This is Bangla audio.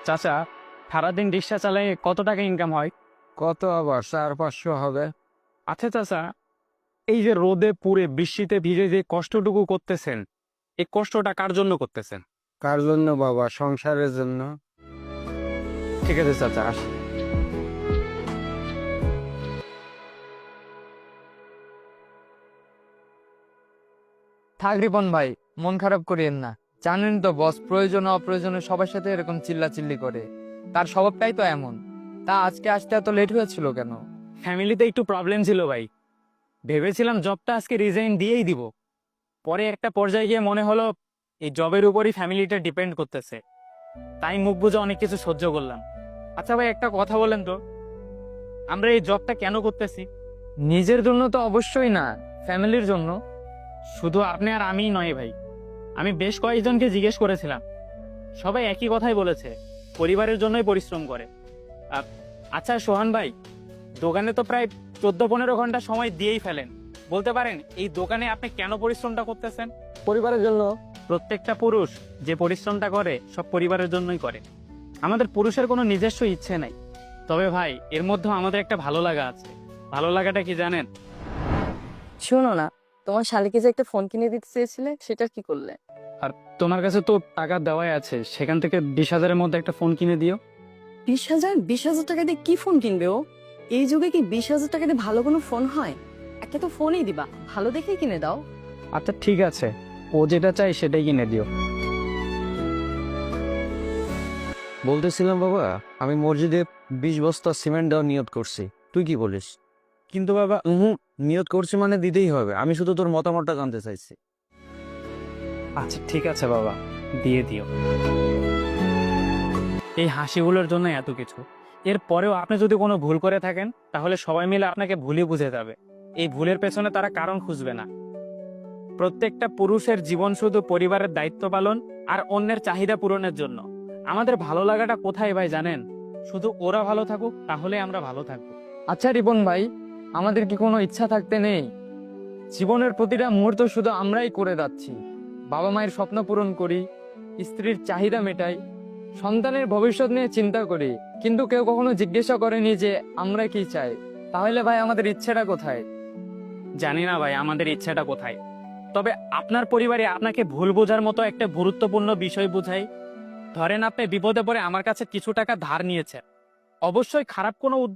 চাচা, সারাদিন রিক্সা চালায় কত টাকা ইনকাম হয়? কত আবার 400-500 হবে। আচ্ছা চাচা, এই যে রোদে পুড়ে বৃষ্টিতে ভিজে যে কষ্টটুকু করতেছেন, এই কষ্টটা কার জন্য করতেছেন? কার জন্য বাবা? সংসারের জন্য। ঠিক আছে চাচা, আসি। থাক রিপন ভাই, মন খারাপ করিয়েন না। জানেন তো বস প্রয়োজনে অপ্রয়োজনে সবার সাথে এরকম চিল্লাচিল্লি করে। তার স্বভাবটাই তো এমন। তা আজকে আসতে এত লেট হয়েছিল কেন? ফ্যামিলিতে একটু প্রবলেম ছিল ভাই। ভেবেছিলাম জবটা আজকে রিজাইন দিয়েই দিব। পরে একটা পর্যায়ে গিয়ে মনে হলো এই জবের উপরই ফ্যামিলিটা ডিপেন্ড করতেছে। তাই মুখ বুঝে অনেক কিছু সহ্য করলাম। আচ্ছা ভাই, একটা কথা বলেন তো, আমরা এই জবটা কেন করতেছি? নিজের জন্য তো অবশ্যই না, ফ্যামিলির জন্য। শুধু আপনি আর আমিই নয় ভাই, আমি বেশ কয়েকজনকে জিজ্ঞেস করেছিলাম, সবাই একই কথাই বলেছে, পরিবারের জন্যই পরিশ্রম করে। আচ্ছা সোহান ভাই, দোকানে তো প্রায় 14-15 ঘন্টা সময় দিয়েই ফেলেন, বলতে পারেন এই দোকানে আপনি কেন পরিশ্রমটা করতেছেন? পরিবারের জন্য। প্রত্যেকটা পুরুষ যে পরিশ্রমটা করে সব পরিবারের জন্যই করে। আমাদের পুরুষের কোনো নিজস্ব ইচ্ছে নাই। তবে ভাই, এর মধ্যে আমাদের একটা ভালো লাগা আছে। ভালো লাগাটা কি জানেন? শোনো না, তোমার শালিকে যে একটা ফোন কিনে দিতে চেয়েছিলে সেটা কি করলে? আর তোমার কাছে তো টাকা দেওয়াই আছে, সেখান থেকে 20,000-এর মধ্যে একটা ফোন কিনে দিও। 20,000? 20,000 টাকা দিয়ে কি ফোন কিনবে ও? এই যুগে কি 20,000 টাকা দিয়ে ভালো কোনো ফোন হয়? একটা তো ফোনই দিবা, ভালো দেখেই কিনে দাও। আচ্ছা ঠিক আছে, ও যেটা চাই সেটাই কিনে দিও। বলতেছিলাম বাবা, আমি মসজিদে 20 বস্তা সিমেন্ট দেওয়ার নিয়ত করছি। তুই কি বলিস? কিন্তু বাবা, নিয়ত করছি মানে দিতেই হবে। আমি শুধু তোর মতামতটা জানতে চাইছি। আচ্ছা ঠিক আছে বাবা, দিয়ে দিও। এই হাসিগুলোর জন্য এত কিছু। এর পরেও আপনি যদি কোনো ভুল করে থাকেন, তাহলে সবাই মিলে আপনাকে ভুলই বুঝে যাবে। এই ভুলের পেছনে তারা কারণ খুঁজবে না। প্রত্যেকটা পুরুষের জীবন শুধু পরিবারের দায়িত্ব পালন আর অন্যের চাহিদা পূরণের জন্য। আমাদের ভালো লাগাটা কোথায় ভাই জানেন? শুধু ওরা ভালো থাকুক, তাহলে আমরা ভালো থাকবো। আচ্ছা রিপন ভাই, আমাদের কি কোনো ইচ্ছা থাকতে নেই? জীবনের প্রতিটা মুহূর্ত শুধু আমরাই করে যাচ্ছি। বাবা মায়ের স্বপ্ন পূরণ করি, স্ত্রীর চাহিদা মেটাই, সন্তানের ভবিষ্যৎ নিয়ে চিন্তা করি, কিন্তু কেউ কখনো জিজ্ঞাসা করেনি যে আমরা কি চাই। তাহলে ভাই আমাদের ইচ্ছেটা কোথায়? জানি না ভাই আমাদের ইচ্ছাটা কোথায়। তবে আপনার পরিবারে আপনাকে ভুল বোঝার মতো একটা গুরুত্বপূর্ণ বিষয় বুঝাই। ধরেন আপনি বিপদে পড়ে আমার কাছে কিছু টাকা ধার নিয়েছেন, অবশ্যই খারাপ কোনো